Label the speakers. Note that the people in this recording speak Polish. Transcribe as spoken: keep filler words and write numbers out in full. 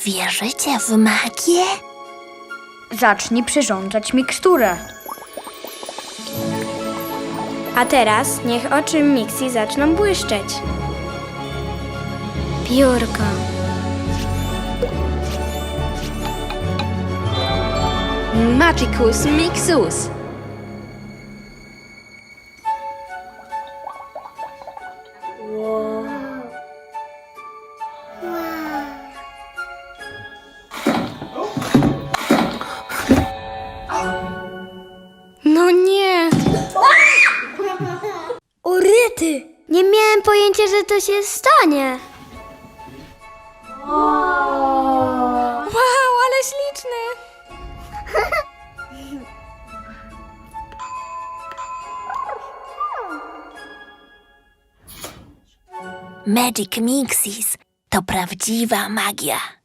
Speaker 1: Wierzycie w magię?
Speaker 2: Zacznij przyrządzać miksturę.
Speaker 3: A teraz niech oczy Mixi zaczną błyszczeć. Piórko.
Speaker 1: Magicus Mixus.
Speaker 3: No nie! O ryty! Nie miałem pojęcia, że to się stanie. Wow, ale śliczny!
Speaker 1: Magic Mixis to prawdziwa magia.